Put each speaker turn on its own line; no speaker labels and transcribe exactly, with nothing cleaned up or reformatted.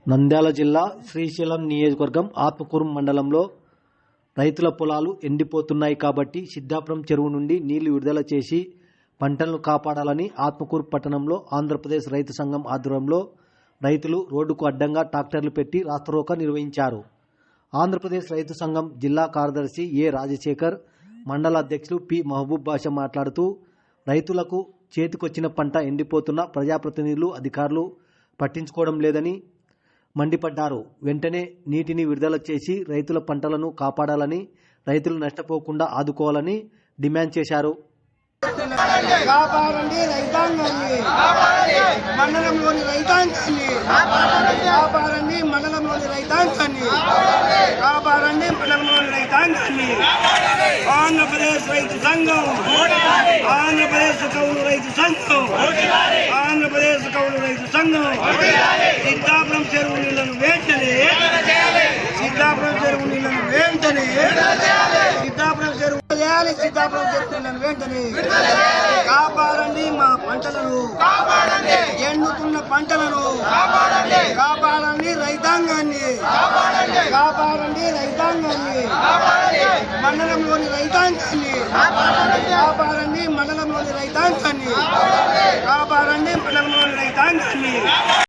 నంద్యాల జిల్లా శ్రీశైలం నియోజకవర్గం ఆత్మకూరు మండలంలో రైతుల పొలాలు ఎండిపోతున్నాయి కాబట్టి సిద్ధాపురం చెరువు నుండి నీళ్లు విడుదల చేసి పంటలను కాపాడాలని ఆత్మకూరు పట్టణంలో ఆంధ్రప్రదేశ్ రైతు సంఘం ఆధ్వర్యంలో రైతులు రోడ్డుకు అడ్డంగా ట్రాక్టర్లు పెట్టి రాస్తారోకో నిర్వహించారు. ఆంధ్రప్రదేశ్ రైతు సంఘం జిల్లా కార్యదర్శి ఏ రాజశేఖర్, మండల అధ్యక్షులు పి మహబూబ్ బాషా మాట్లాడుతూ రైతులకు చేతికొచ్చిన పంట ఎండిపోతున్న ప్రజాప్రతినిధులు, అధికారులు పట్టించుకోవడం లేదని మండిపడ్డారు. వెంటనే నీటిని విడుదల చేసి రైతుల పంటలను కాపాడాలని, రైతులు నష్టపోకుండా ఆదుకోవాలని డిమాండ్ చేశారు.
కాపాడండి రైతాంగాన్ని, మండలంలోని రైతాంగాన్ని కాపాడండి, మండలంలోని రైతాంగాన్ని కాపాడండి, మండలంలోని రైతాంగాన్ని. ఆంధ్రప్రదేశ్ రైతు సంఘం, ఆంధ్రప్రదేశ్ కౌలు రైతు సంఘం, ఆంధ్రప్రదేశ్ కౌలు రైతు సంఘం సిద్ధాపురం చెరువు నీళ్లను వెంటనే, సిద్ధాపురం చెరువు నీళ్లను వెంటనే, సిద్ధాపురం చెరువు చేయాలి, సిద్ధాపురం చెరువు నీళ్లను వెంటనే కాపాడండి. మా పంటలను, ఎండుతున్న పంటలను కాపాడండి, రైతాంగాన్ని కాపాడండి, రైతాంగాన్ని మండలంలోని రైతాంగాన్ని కాపాడండి, మండలంలోని రైతాంగాన్ని కాపాడండి, మండలంలోని రైతాంగాన్ని.